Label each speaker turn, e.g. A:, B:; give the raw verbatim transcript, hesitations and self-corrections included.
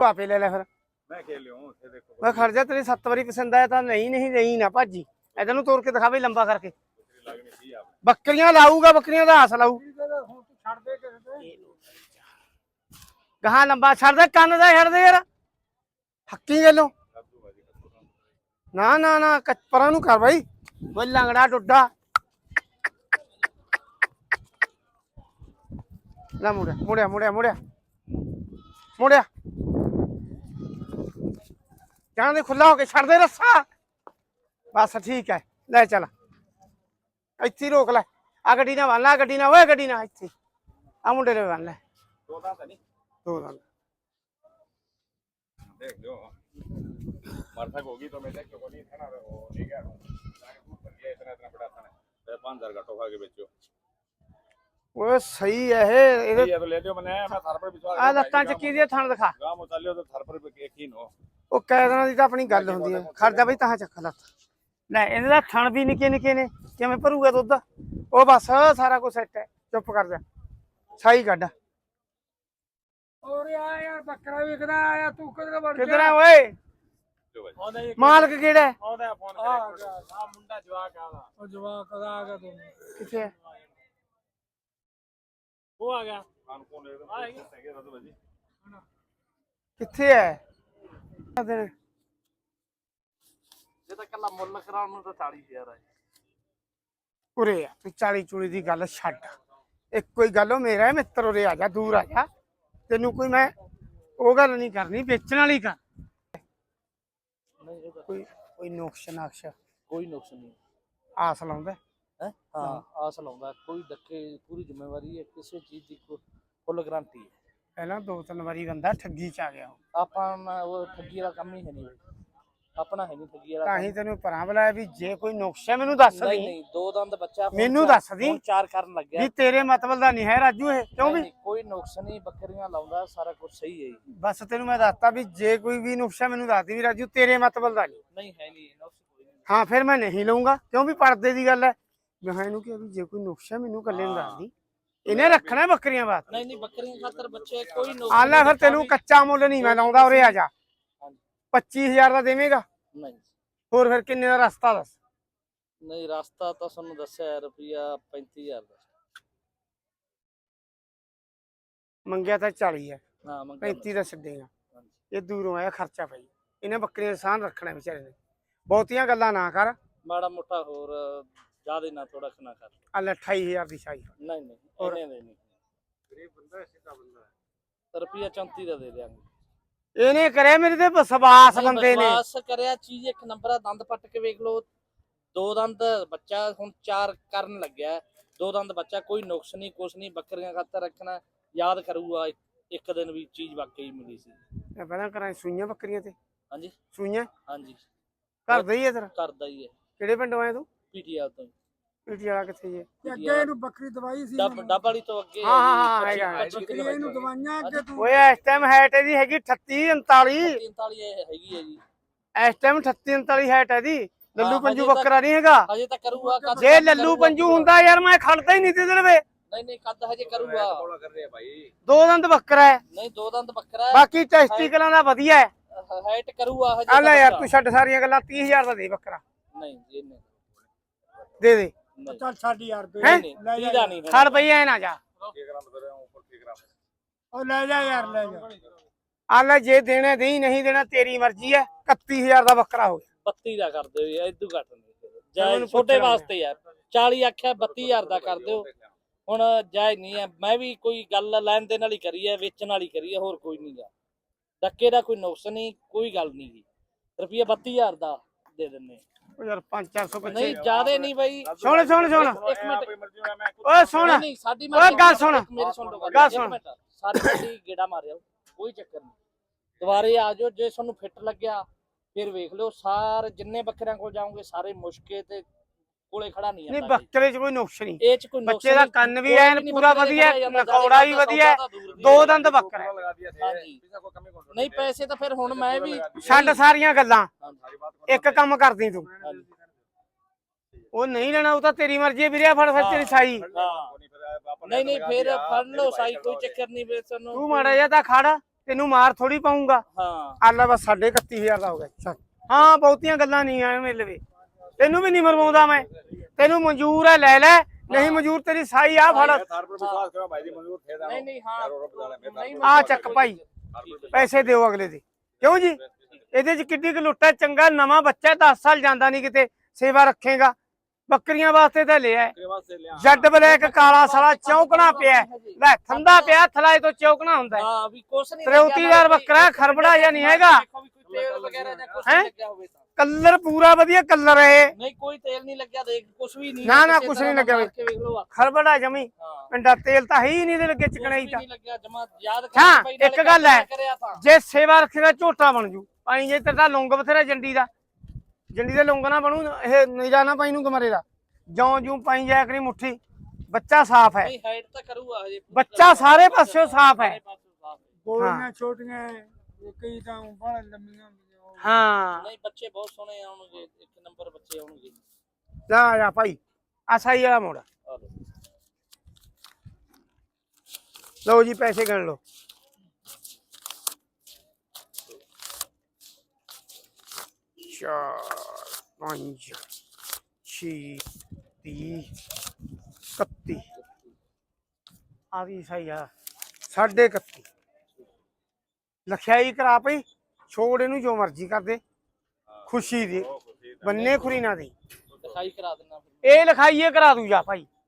A: ਆਪੇ ਲੈ ਲੈ ਫਿਰ
B: ਮੈਂ ਖੇਲ ਲਿਓ ਉੱਥੇ ਦੇਖੋ
A: ਮੈਂ ਖੜ ਜਾ ਤੇਰੀ ਸੱਤ ਵਾਰੀ ਪਸੰਦ ਆਇਆ ਤਾਂ ਨਹੀਂ ਨਹੀਂ ਨਹੀਂ ਨਾ ਭਾਜੀ ਇਧਰ ਨੂੰ ਤੋੜ ਕੇ ਦਿਖਾ ਬਈ ਲੰਬਾ ਕਰਕੇ
B: ਲੱਗਣੀ ਸੀ ਆਪ
A: ਬੱਕਰੀਆਂ ਲਾਊਗਾ ਬੱਕਰੀਆਂ ਦਾ ਹੱਸ ਲਾਊ
C: ਹੁਣ ਤੂੰ ਛੱਡ ਦੇ ਕਿਸੇ ਤੇ
A: ਗਾਹਾਂ ਲੰਬਾ ਛੱਡ ਦੇ ਕੰਨ ਦਾ ਛੱਡ ਦੇ ਯਾਰ ਹੱਕੀ ਗੱਲੋਂ ਨਾ ਨਾ ਨਾ ਪਰਾਂ ਨੂੰ ਕਰ ਬਾਈ ਬਈ ਲੰਗੜਾ ਡੁੱਡਾ ਲੈ ਮੁੜਿਆ ਮੁੜਿਆ ਮੁੜਿਆ ਮੁੜਿਆ ਮੁੜਿਆ ਜਾਣ ਦੇ ਖੁੱਲਾ ਹੋ ਕੇ ਛੱਡ ਦੇ ਰੱਸਾ ਬਸ ਠੀਕ ਹੈ ਲੈ ਚੱਲ ਇੱਥੇ ਰੋਕ ਲੈ ਆ ਗੱਡੀ ਨਾਲ ਬੰਨ ਲੈ ਗੱਡੀ ਨਾਲ ਓਏ ਗੱਡੀ ਨਾਲ ਇੱਥੇ ਆ ਮੁੰਡੇ ਨੇ ਬੰਨ ਲੈ
B: ਦੋ ਤਾਂ ਨਹੀਂ
A: ਦੋ ਦੰਦ
B: देख लो मरथक होगी तो मैं क्यों नहीं था ना वो ठीक है ये इतना इतना बड़ा था ना पाँच हजार का टोका के बेचो
A: ਓਏ ਸਹੀ ਹੈ ਇਹ ਇਹਦੇ
B: ये तो ले लियो मैंने मैं थार पर विश्वास
A: ਆ ਲੱਤਾਂ ਚੱਕੀ ਦੀ ਥਣ ਦਿਖਾ
B: गांव उतार तो थार पर यकीन हो
A: ਉਹ ਕੈਦਾਂ ਦੀ ਤਾਂ ਆਪਣੀ ਗੱਲ ਹੁੰਦੀ ਹੈ ਖੜਦਾ ਬਈ ਤਾਂ ਚੱਕ ਲੱਤ ਲੈ ਇਹਦੇ ਦਾ ਥਣ ਵੀ ਨਿੱਕੇ ਨਿੱਕੇ ਨੇ ਕਿਵੇਂ ਭਰੂਗਾ ਦੁੱਧ ਉਹ ਬਸ ਸਾਰਾ ਕੁਝ ਸੈੱਟ ਹੈ ਚੁੱਪ ਕਰ ਜਾ ਸਾਈ ਕੱਢ
C: ਔਰ ਆ ਯਾਰ ਬੱਕਰਾ ਵਿਕਦਾ ਆਇਆ ਤੂੰ ਕਿਧਰ ਵੜ
A: ਕਿੱਧਰ ਆ ਓਏ
B: जो भाई
A: ਮਾਲਕ ਕਿਹੜਾ ਹੈ
B: आउंदा फोन
C: ਆ
B: करे
C: ਗਿਆ
B: आ मुंडा जवाक आला
C: ਉਹ ਜਵਾਕ ਕਦਾ ਆ ਗਿਆ ਤੂੰ
A: ਕਿੱਥੇ ਹੈ
C: ਉਹ ਆ ਗਿਆ
B: खान कौन है आएंगे सही है तो भाई
A: ਕਿੱਥੇ ਹੈ
C: ਜੇ ਤਾਂ ਕੱਲਾ ਮੁੱਲ ਕਰਾਉਣ ਨੂੰ ਤਾਂ ਚਾਲੀ ਹਜ਼ਾਰ ਆ
A: ਉਰੇ ਆ ਤੂੰ ਚਾਲੀ ਚੂਲੀ ਦੀ ਗੱਲ ਛੱਡ ਇੱਕੋ ਹੀ ਗੱਲ ਉਹ ਮੇਰਾ ਹੈ ਮਿੱਤਰ ਉਰੇ ਆ ਜਾ ਦੂਰ ਆ ਜਾ ਤੈਨੂੰ ਕੋਈ ਮੈਂ ਉਹ ਗੱਲ ਨਹੀਂ ਕਰਨੀ ਵੇਚਣ ਵਾਲੀ ਕਰ
C: ਨਹੀਂ ਇਹਦਾ
A: ਕੋਈ ਕੋਈ ਨੁਕਸ ਨਕਸ਼
C: ਕੋਈ ਨੁਕਸ ਨਹੀਂ
A: ਆਸ ਲਾਉਂਦਾ
C: ਹੈ ਹਾਂ ਆਸ ਲਾਉਂਦਾ ਕੋਈ ਧੱਕੇ ਪੂਰੀ ਜ਼ਿੰਮੇਵਾਰੀ ਹੈ ਕਿਸੇ ਚੀਜ਼ ਦੀ ਫੁੱਲ ਗਾਰੰਟੀ ਹੈ
A: ਪਹਿਲਾਂ ਦੋ ਤਿੰਨ ਵਾਰੀ ਬੰਦਾ ਠੱਗੀ ਚ ਆ ਗਿਆ ਉਹ।
C: ਆਪਾਂ ਨਾ ਉਹ ਠੱਗੀ ਵਾਲਾ ਕੰਮ ਹੀ ਹੈ ਨਹੀਂ ਆਪਣਾ ਹੈ ਨਹੀਂ ਠੱਗੀ ਵਾਲਾ
A: ਤਾਂ ਹੀ ਤੈਨੂੰ ਪਰਾਂ ਬੁਲਾਇਆ ਵੀ ਜੇ ਕੋਈ ਨੁਕਸ ਹੈ ਮੈਨੂੰ ਦੱਸ
C: ਨਹੀਂ
A: ਦੀ
C: ਨਹੀਂ ਦੋ ਦੰਦ ਬੱਚਾ ਹੁਣ
A: ਮੈਨੂੰ
C: ਚਾਰ-
A: ਦੱਸ ਦੀ।
C: ਹੁਣ ਚਾਰ ਕਰਨ ਲੱਗਿਆ
A: ਵੀ ਤੇਰੇ ਮਤਲਬ ਦਾ ਨਹੀਂ ਹੈ ਰਾਜੂ ਇਹ ਕਿਉਂ ਵੀ
C: ਨਹੀਂ, ਕੋਈ ਨੁਕਸ ਨਹੀਂ ਬੱਕਰੀਆਂ ਲਾਉਂਦਾ ਸਾਰਾ ਕੁਝ ਸਹੀ ਹੈ ਜੀ
A: ਬਸ ਤੈਨੂੰ ਮੈਂ ਦੱਸਤਾ ਵੀ ਜੇ ਕੋਈ ਵੀ ਨੁਕਸ ਹੈ ਮੈਨੂੰ ਦੱਸ ਦੀ ਵੀ ਰਾਜੂ ਤੇਰੇ ਮਤਲਬ ਦਾ ਨਹੀਂ
C: ਨਹੀਂ ਹੈ ਨਹੀਂ ਨੁਕਸ ਕੋਈ ਨਹੀਂ
A: ਹਾਂ ਫਿਰ ਮੈਂ ਨਹੀਂ ਲਊਂਗਾ ਕਿਉਂ ਵੀ ਪਰਦੇ ਦੀ ਗੱਲ ਹੈ ਮੈਂ ਇਹਨੂੰ ਕਿਹਾ ਵੀ ਜੇ ਕੋਈ ਨੁਕਸ ਹੈ ਮੈਨੂੰ ਇਕੱਲੇ ਨੂੰ ਦੱਸ ਦੀ ਇਹਨੇ ਰੱਖਣਾ ਬੱਕਰੀਆਂ ਬਾਤ
C: ਨਹੀਂ ਨਹੀਂ ਬੱਕਰੀਆਂ ਖਾਤਰ ਬੱਚੇ ਕੋਈ ਨੁਕਸ
A: ਆ ਲੈ ਫਿਰ ਤੈਨੂੰ ਕੱਚਾ ਮੁੱਲ ਨਹੀਂ ਮੈਂ ਲਾਉਂਦਾ ਉਰੇ ਆ ਜਾ
C: ਹਾਂਜੀ।
A: ਪੱਚੀ ਹਜ਼ਾਰ ਦਾ ਦੇਵੇਂਗਾ
C: ਨਹੀਂ
A: ਹੋਰ ਫਿਰ ਕਿੰਨੇ ਦਾ ਰਸਤਾ ਦੱਸ
C: ਨਹੀਂ ਰਸਤਾ ਤਾਂ ਤੁਹਾਨੂੰ ਦੱਸਿਆ ਰੁਪਿਆ ਪੈਂਤੀ ਹਜ਼ਾਰ ਦਾ
A: ਮੰਗਿਆ ਤਾਂ ਚਾਲੀ ਹੈ
C: ਹਾਂ ਮੰਗਿਆ
A: ਪੈਂਤੀ ਦਾ ਛੱਡੇਗਾ
C: ਹਾਂਜੀ।
A: ਇਹ ਦੂਰੋਂ ਆਇਆ ਖਰਚਾ ਪਈ ਇਹਨੇ ਬੱਕਰੀਆਂ ਦਾ ਸਾਨ ਰੱਖਣਾ ਵਿਚਾਰੇ ਨੇ ਬਹੁਤੀਆਂ ਗੱਲਾਂ ਨਾ ਕਰ
C: ਮਾੜਾ ਮੋਟਾ ਹੋਰ ਜ਼ਿਆਦਾ ਨਾ ਥੋੜਾ ਖਣਾ ਕਰ
A: ਆ ਲੈ ਅਠਾਈ ਹਜ਼ਾਰ ਦੀ ਸ਼ਾਈ
C: ਨਹੀਂ ਨਹੀਂ
A: ਹੋਰ?
C: ਇਹਨੇ ਦੇ ਨਹੀਂ
B: गरीब बंदा है सीधा बंदा है
C: ਰੁਪਿਆ ਚੌਂਤੀ ਦਾ ਦੇ ਦਿਆਂਗੇ
A: ਇਹਨੇ ਕਰਿਆ ਮੇਰੇ ਤੇ ਵਿਸ਼ਵਾਸ
C: ਨਹੀਂ,
A: ਬੰਦੇ ਨੇ
C: ਵਿਸ਼ਵਾਸ ਕਰਿਆ ਚੀਜ਼ ਇੱਕ ਨੰਬਰ ਆ ਦੰਦ ਪੱਟ ਕੇ ਵੇਖ ਲਓ ਦੋ ਦੰਦ ਬੱਚਾ ਹੁਣ ਚਾਰ ਕਰਨ ਲੱਗਿਆ ਦੋ ਦੰਦ ਬੱਚਾ ਕੋਈ ਨੁਕਸ ਨਹੀਂ ਕੁਛ ਨਹੀਂ ਬੱਕਰੀਆਂ ਖਾਤਰ ਰੱਖਣਾ ਯਾਦ ਕਰੂਗਾ ਇੱਕ- ਇੱਕ ਦਿਨ ਵੀ ਚੀਜ਼ ਵਾਕਈ ਮਿਲੀ ਸੀ
A: ਇਹ ਪਹਿਲਾਂ ਕਰਾਂ ਸੂਈਆਂ ਬੱਕਰੀਆਂ ਤੇ
C: ਹਾਂਜੀ
A: ਸੂਈਆਂ
C: ਹਾਂਜੀ
A: ਘਰ ਦਾ ਹੀ ਹੈ ਤੇਰਾ
C: ਕਰਦਾ ਹੀ ਹੈ
A: ਕਿਹੜੇ ਪਿੰਡੋਂ ਆਇਆ ਤੂੰ
C: ਪੀਟੀਆਰ ਤੋਂ
A: ਪੀਟੀ ਵਾਲਾ ਕਿੱਥੇ ਜੇ
C: ਅੱਗੇ
D: ਇਹਨੂੰ ਬੱਕਰੀ ਦਵਾਈ ਸੀ
C: ਡੱਬ ਡੱਬ ਵਾਲੀ ਤੋਂ ਅੱਗੇ
A: ਹਾਂ, ਹਾਂ, ਹਾਂ, ਹੈਗਾ,
D: ਬੱਕਰੀ ਇਹਨੂੰ ਦਵਾਈਆਂ ਅੱਗੇ ਤੂੰ
A: ਓਏ ਇਸ ਟਾਈਮ ਹਾਈਟ ਇਹਦੀ ਹੈਗੀ ਅਠੱਤੀ ਉਨਤਾਲੀ
C: ਤੀਨਤਾਲੀ ਹੈਗੀ ਹੈ ਜੀ
A: ਇਸ ਟਾਈਮ ਅਠੱਤੀ ਉਨਤਾਲੀ ਹਾਈਟ ਹੈ ਦੀ ਲੱਲੂ
C: ਹਾਂ,
A: ਪੰਜੂ
C: ਹਜੇ ਤਾਂ-
A: ਬੱਕਰਾ ਨਹੀਂ ਹੈਗਾ
C: ਹਜੇ ਤਾਂ ਕਰੂਗਾ ਕੱਦ
A: ਜੇ ਲੱਲੂ ਪੰਜੂ ਹੁੰਦਾ ਯਾਰ ਮੈਂ ਖੜਦਾ ਹੀ ਨਹੀਂ ਤੇ ਦਿਨ ਵੇ
C: ਨਹੀਂ ਨਹੀਂ ਕੱਦ ਹਜੇ ਕਰੂਗਾ
B: बोला कर रहे हैं भाई
A: ਦੋ ਦੰਦ ਬੱਕਰਾ ਹੈ
C: ਨਹੀਂ ਦੋ ਦੰਦ ਬੱਕਰਾ ਹੈ
A: ਬਾਕੀ ਟੈਸਟੀਕਲਾਂ ਦਾ ਵਧੀਆ ਹੈ
C: ਹਾਈਟ ਕਰੂਗਾ ਹਜੇ
A: ਆ ਲੈ
C: ਤਾਂ
A: ਯਾਰ
C: ਬੱਚਾ।
A: ਤੂੰ ਛੱਡ ਸਾਰੀਆਂ ਗੱਲਾਂ ਤੀਹ ਹਜ਼ਾਰ ਦਾ ਦੇ ਬੱਕਰਾ
C: ਨਹੀਂ ਜੀ ਇਹਨੇ
A: ਦੇ ਦੇ
C: ਨਹੀਂ
D: ਚੱਲ ਛੱਡ ਯਾਰ ਤੂੰ
A: ਹੈਂ?
C: ਨਹੀਂ ਤੀਹ ਦਾ ਨਹੀਂ
A: ਖੜ ਪਈ ਐ ਨਾ ਜਾ
B: एक ग्राम बता रहा हूं ऊपर के ग्राम
D: ਉਹ ਲੈ ਜਾ ਯਾਰ ਲੈ ਜਾ
A: ਆ ਲੈ ਜੇ ਦੇਣਾ ਦੇਈ ਨਹੀਂ ਦੇਣਾ ਤੇਰੀ ਮਰਜ਼ੀ ਹੈ ਇਕੱਤੀ ਹਜ਼ਾਰ ਦਾ ਬੱਕਰਾ ਹੋ ਗਿਆ
C: ਬੱਤੀ ਦਾ ਕਰ ਦਿਓ ਇਹ ਇਦੋਂ ਘੱਟ ਨਹੀਂ
A: ਮੈਨੂੰ
C: ਜਾਇ ਛੋਟੇ
A: ਪੁੱਛਣਾ
C: ਵਾਸਤੇ ਯਾਰ ਚਾਲੀ ਆਖਿਆ ਬੱਤੀ ਹਜ਼ਾਰ ਦਾ ਕਰ ਦਿਓ ਹੁਣ ਜਾਇ ਨਹੀਂ ਹੈ ਮੈਂ ਵੀ ਕੋਈ ਗੱਲ ਲੈਣ ਦੇ ਨਾਲ ਹੀ ਕਰੀ ਹੈ ਵੇਚਣ ਵਾਲੀ ਕਰੀ ਹੈ ਹੋਰ ਕੋਈ ਨਹੀਂ ਗਾ ਧੱਕੇ ਦਾ ਕੋਈ ਨੁਕਸ ਨਹੀਂ ਕੋਈ ਗੱਲ ਨਹੀਂ ਗੀ ਰੁਪਈਆ ਬੱਤੀ ਹਜ਼ਾਰ ਦਾ ਦੇ ਦਿੰਨੇ
A: ਉਹ ਯਾਰ ਪੰਜ ਚਾਰ ਸੌ
C: ਨਹੀਂ
A: ਬੱਚੇ
C: ਜਿਆਦੇ ਨਹੀਂ ਬਾਈ
A: ਸੁਣ ਸੁਣ ਸੁਣ
C: ਇੱਕ ਮਿੰਟ
B: कोई मर्जी में मैं
A: ਓਏ ਸੁਣ
C: ਨਹੀਂ, ਨਹੀਂ ਸਾਡੀ
A: ਓਏ ਗੱਲ ਸੁਣ।
C: ਮੇਰੀ ਸੁਣ ਲਓ
A: ਗੱਲ
C: ਗੱਲ
A: ਸੁਣ।
C: ਇੱਕ ਮਿੰਟ ਸਾਰੀ ਸਾਡੀ ਗੇੜਾ ਮਾਰਿਓ ਕੋਈ ਚੱਕਰ ਨਹੀਂ ਦੁਬਾਰੇ ਆ ਜਾਓ ਜੇ ਤੁਹਾਨੂੰ ਫਿੱਟ ਲੱਗਿਆ ਫਿਰ ਵੇਖ ਲਿਓ ਸਾਰੇ ਜਿੰਨੇ ਬੱਕਰਿਆਂ ਕੋਲ ਜਾਓਗੇ ਸਾਰੇ ਮੁਸ਼ਕੇ ਤੇ ਕੋਲੇ ਖੜਾ ਨਹੀਂ
A: ਨਹੀਂ
C: ਜਾਂਦਾ ਜੀ।
A: ਬੱਕਰੇ 'ਚ ਕੋਈ ਨੁਕਸ ਨਹੀਂ
C: ਇਹ ਚ ਕੋਈ ਨੁਕਸ
A: ਬੱਚੇ ਦਾ
C: ਨਹੀਂ,
A: ਕੰਨ ਵੀ
C: ਕੋਈ
A: ਐਨ
C: ਨਹੀਂ
A: ਪੂਰਾ
C: ਬੱਕਰੇ
A: ਵਧੀਆ
C: ਖੜਾ ਜਾਂਦਾ,
A: ਨਕੌੜਾ ਵੀ
C: ਸੌਦਾ
A: ਵਧੀਆ
C: ਤਾਂ ਦੂਰ ਦੀ
A: ਦੋ
C: ਹੈ।
A: ਦੰਦ ਬੱਕਰਾ ਹੈ।
B: लगा दिया
C: ਹਾਂਜੀ।
B: पैसा को कमी कौन
C: ਨਹੀਂ ਪੈਸੇ ਤਾਂ ਫਿਰ ਹੁਣ ਮੈਂ ਵੀ
A: ਛੱਡ ਸਾਰੀਆਂ ਗੱਲਾਂ
B: सारी बात को
A: ਇੱਕ ਕੰਮ ਕਰਦੀ ਤੂੰ
C: ਹਾਂਜੀ।
A: ਉਹ ਨਹੀਂ ਲੈਣਾ ਉਹ ਤਾਂ ਤੇਰੀ ਮਰਜ਼ੀ ਹੈ ਵੀਰੇ ਫੜ ਫਿਰ ਤੇਰੀ ਸਾਈ
C: ਹਾਂ। ਨਹੀਂ ਨਹੀਂ ਫਿਰ ਫੜ ਲਓ ਸਾਈ ਕੋਈ ਚੱਕਰ ਨਹੀਂ ਫਿਰ ਤੁਹਾਨੂੰ
A: ਤੂੰ ਮਾੜਾ ਜਿਹਾ ਤਾਂ ਖੜ ਤੈਨੂੰ ਮਾਰ ਥੋੜੀ ਪਾਉਂਗਾ।
C: ਹਾਂ
A: ਆਲਾ ਬਸ ਸਾਢੇ ਇਕੱਤੀ ਹਜ਼ਾਰ ਦਾ ਹੋ ਗਿਆ ਚੱਲ। ਹਾਂ ਬਹੁਤੀਆਂ ਗੱਲਾਂ ਨਹੀਂ ਆ ਮੇਰੇ ਲਵੇ, ਤੈਨੂੰ ਵੀ ਨਹੀਂ ਮਰਵਾਉਂਦਾ ਮੈਂ, ਤੈਨੂੰ ਮਨਜ਼ੂਰ ਹੈ ਲੈ ਲੈ, ਨਹੀਂ ਮਨਜ਼ੂਰ ਤੇਰੀ ਸਾਈ ਆ ਫੜ।
B: तार पर विश्वास करो भाई जी मंजूर थे दानो
C: ਨਹੀਂ ਨਹੀਂ ਹਾਂ ਨਹੀਂ
A: ਆ ਚੱਕ ਭਾਈ ਪੈਸੇ ਦਿਓ ਅਗਲੇ ਦੇ, ਕਿਉਂ ਜੀ? ਇਹਦੇ ਚ ਕਿੱਡੀ ਕੁ ਲੁੱਟ ਹੈ, ਚੰਗਾ ਨਵਾਂ ਬੱਚਾ ਦਸ ਸਾਲ ਜਾਂਦਾ ਨਹੀਂ ਕਿਤੇ, ਸੇਵਾ ਰੱਖੇਗਾ। ਬੱਕਰੀਆਂ ਵਾਸਤੇ ਤਾਂ ਲਿਆ ਜੱਡ ਬਲੈਕ ਕਾਲਾ ਸਾਲਾ ਚੌਕਣਾ ਪਿਆ ਲੈ, ਥੰਦਾ ਪਿਆ ਥਲਾਏ ਤੋਂ ਚੌਕਣਾ ਹੁੰਦਾ ਹੈ।
C: ਹਾਂ ਵੀ ਕੁਛ ਨਹੀਂ
A: ਤਰੇਉਤੀਦਾਰ ਬੱਕਰਾ ਖਰਬੜਾ ਜਾਂ ਨਹੀਂ ਹੈਗਾ,
C: ਤੇਲ ਵਗੈਰਾ ਜਾਂ ਕੁਛ
A: ਹੈਂ?
C: ਨਹੀਂ ਲੱਗਿਆ ਹੋਵੇ ਤਾਂ
A: ਕਲਰ ਪੂਰਾ ਵਧੀਆ ਕਲਰ ਹੈ,
C: ਨਹੀਂ ਕੋਈ ਤੇਲ ਨਹੀਂ ਲੱਗਿਆ, ਦੇਖ ਕੁਛ ਵੀ ਨਹੀਂ
A: ਨਾ ਨਾ
C: ਕਿਸੇ
A: ਕੁਛ
C: ਤਰ੍ਹਾਂ
A: ਨਹੀਂ ਲੱਗਿਆ
C: ਮਾਰ ਕੇ ਵੇਖ ਲਓ ਆ।
A: ਖਰਬੜਾ ਜਮੀ
C: ਹਾਂ
A: ਪਿੰਡਾ ਤੇਲ ਤਾਂ ਹੈ ਹੀ ਨਹੀਂ ਇਹਦੇ ਲੱਗੇ ਚਿਕਣਾ ਹੀ
C: ਕੁਛ ਵੀ
A: ਤਾਂ।
C: ਨਹੀਂ ਲੱਗਿਆ ਜਮਾ ਯਾਦ
A: ਹਾਂ,
C: ਬਾਈ
A: ਇੱਕ
C: ਨਾਲੇ
A: ਗੱਲ ਹੈ,
C: ਕਰਿਆ ਤਾਂ।
A: ਜੇ ਸੇਵਾ ਰੱਖੇਗਾ ਝੋਟਾ ਬਣ ਜੂ ਪਾਈ, ਜੇ ਤੇਰਾ ਲੌਂਗ ਬਥੇਰਾ ਜੰਡੀ ਦਾ, ਜੰਡੀ ਦੇ ਲੌਂਗ ਨਾ ਬਣੂ ਇਹ ਨੀਰਾ ਨਾ ਪਾਈ ਨੂੰ ਗਮਰੇ ਦਾ, ਜੌਂ ਜੂ ਪਾਈ ਜਾਇਆ ਕਰੀ ਮੁੱਠੀ। ਬੱਚਾ ਸਾਫ਼ ਹੈ,
C: ਨਹੀਂ ਹਾਈਟ ਤਾਂ ਕਰੂਗਾ ਹਜੇ
A: ਬੱਚਾ ਸਾਰੇ ਪਾਸਿਓਂ ਸਾਫ਼ ਹੈ।
C: ਸਾਰੇ ਪਾਸੋਂ ਸਾਫ਼ ਹੈ।
D: ਗੋਲੀਆਂ ਛੋਟੀਆਂ ਕਈ ਤਾਂ ਬੜਾ ਲੰਮੀਆਂ ਹੁੰਦੀਆਂ ਉਹ।
A: ਹਾਂ
C: ਨਹੀਂ ਬੱਚੇ ਬਹੁਤ ਸੋਹਣੇ ਆਉਣਗੇ, ਇੱਕ ਨੰਬਰ ਬੱਚੇ ਆਉਣਗੇ।
A: ਜਾ ਜਾ ਭਾਈ ਆ ਸਾਈ ਵਾਲਾ ਮੋੜਾ
C: ਆ ਲਓ।
A: ਲਓ ਜੀ ਪੈਸੇ ਗਿਣ ਲਓ। ਚਾਰ ਪੰਜ ਛੇ ਤੀਹ ਇਕੱਤੀ ਆ ਵੀ ਸਹੀ ਆ, ਸਾਢੇ ਇਕੱਤੀ ਲਖਿਆਈ ਕਰਾ ਪਈ, ਛੋੜ ਇਹਨੂੰ ਜੋ ਮਰਜ਼ੀ ਕਰ ਦੇ, ਖੁਸ਼ੀ ਦੇ ਬੰਨੇ ਖੁਰੀ ਨਾ ਦੇ,
C: ਲਿਖਾਈ ਕਰਾ ਦੇਣਾ ਫਿਰ।
A: ਇਹ ਲਿਖਾਈਏ ਕਰਾ ਦੂ ਜਾ ਭਾਈ।